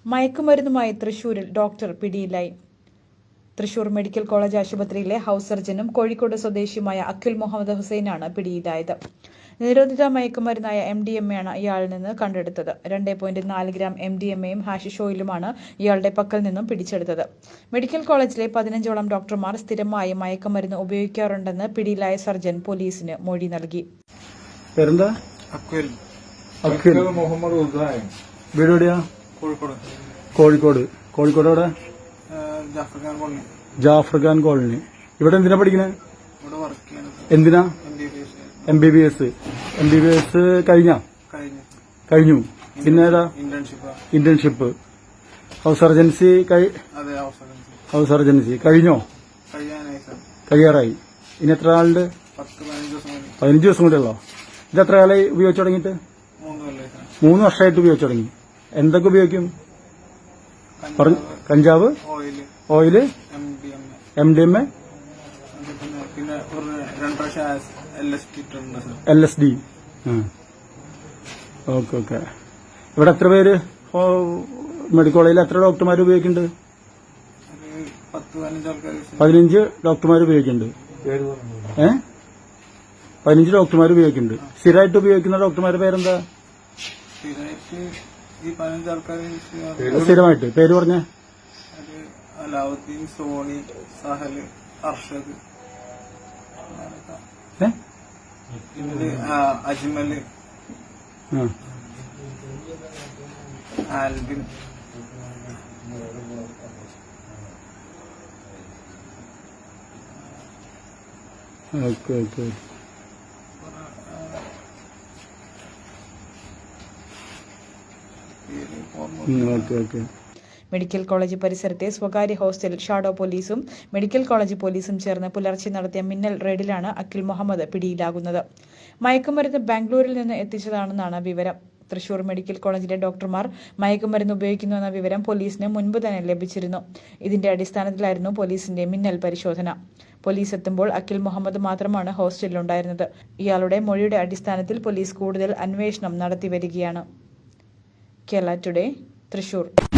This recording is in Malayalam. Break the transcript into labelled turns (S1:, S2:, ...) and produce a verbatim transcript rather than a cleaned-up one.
S1: മയക്കുമരുന്നുമായി തൃശൂരിൽ ഡോക്ടർ പിടിയിലായി. തൃശൂർ മെഡിക്കൽ കോളേജ് ആശുപത്രിയിലെ ഹൌസ് സർജനും കോഴിക്കോട് സ്വദേശിയുമായ അഖിൽ മുഹമ്മദ് ഹുസൈനാണ് പിടിയിലായത്. നിരോധിത മയക്കുമരുന്നായ എം ഡി എം എയാണ് ഇയാളിൽ നിന്ന് കണ്ടെടുത്തത്. രണ്ട് പോയിന്റ് നാല് ഗ്രാം എം ഡി എം എയും ഹാഷിഷ് ഓയിലുമാണ് ഇയാളുടെ പക്കൽ നിന്നും പിടിച്ചെടുത്തത്. മെഡിക്കൽ കോളേജിലെ പതിനഞ്ചോളം ഡോക്ടർമാർ സ്ഥിരമായി മയക്കുമരുന്ന് ഉപയോഗിക്കാറുണ്ടെന്ന് പിടിയിലായ സർജൻ പോലീസിന് മൊഴി നൽകി.
S2: കോഴിക്കോട് കോഴിക്കോട് എവിടെ? ജാഫർ ഖാൻ കോളനി. ഇവിടെ എന്തിനാ പഠിക്കുന്നത്? എന്തിനാ? M B B S. M B B S കഴിഞ്ഞ കഴിഞ്ഞു പിന്നെ ഏതാ? Internship. House surgency house surgency കഴിഞ്ഞോ? കഴിയാറായി. ഇനി എത്ര ആളുണ്ട്? പതിനഞ്ച് ദിവസം കൂടെ ഉള്ളോ? ഇത് എത്ര കാലമായി ഉപയോഗിച്ചു തുടങ്ങിയിട്ട്? മൂന്ന് വർഷമായിട്ട് ഉപയോഗിച്ചു തുടങ്ങി. എന്തൊക്കെ ഉപയോഗിക്കും? കഞ്ചാവ്, oil, M D M A, L S D. Okay okay. ഇവിടെ എത്ര പേര് മെഡിക്കൽ കോളേജിൽ എത്ര ഡോക്ടർമാർ ഉപയോഗിക്കുന്നുണ്ട്? പതിനഞ്ച് ഡോക്ടർമാർ ഉപയോഗിക്കുന്നുണ്ട്. ഏ പതിനഞ്ച് ഡോക്ടർമാർ ഉപയോഗിക്കുന്നുണ്ട്. സ്ഥിരമായിട്ട് ഉപയോഗിക്കുന്ന ഡോക്ടർമാരുടെ പേരെന്താ? സ്ഥിരമായിട്ട് പേര് പറഞ്ഞ?
S3: Alauddin, Sony, Sahal, Arshad, Ajmal, Albin.
S2: Okay okay. Okay okay.
S1: Medical college പരിസരത്തെ സ്വകാര്യ ഹോസ്റ്റൽ ഷാഡോ പോലീസും മെഡിക്കൽ കോളേജ് പോലീസും ചേർന്ന് പുലർച്ചെ നടത്തിയ മിന്നൽ റെയ്ഡിലാണ് അഖിൽ മുഹമ്മദ് പിടിയിലാകുന്നത്. മയക്കുമരുന്ന് ബാംഗ്ലൂരിൽ നിന്ന് എത്തിച്ചതാണെന്നാണ് വിവരം. തൃശൂർ മെഡിക്കൽ കോളേജിലെ ഡോക്ടർമാർ മയക്കുമരുന്ന് ഉപയോഗിക്കുന്നുവെന്ന വിവരം പോലീസിന് മുൻപ് തന്നെ ലഭിച്ചിരുന്നു. ഇതിന്റെ അടിസ്ഥാനത്തിലായിരുന്നു പോലീസിന്റെ മിന്നൽ പരിശോധന. പോലീസ് എത്തുമ്പോൾ അഖിൽ മുഹമ്മദ് മാത്രമാണ് ഹോസ്റ്റലിലുണ്ടായിരുന്നത്. ഇയാളുടെ മൊഴിയുടെ അടിസ്ഥാനത്തിൽ പോലീസ് കൂടുതൽ അന്വേഷണം നടത്തിവരികയാണ്. കേരള ടുഡേ, തൃശൂർ.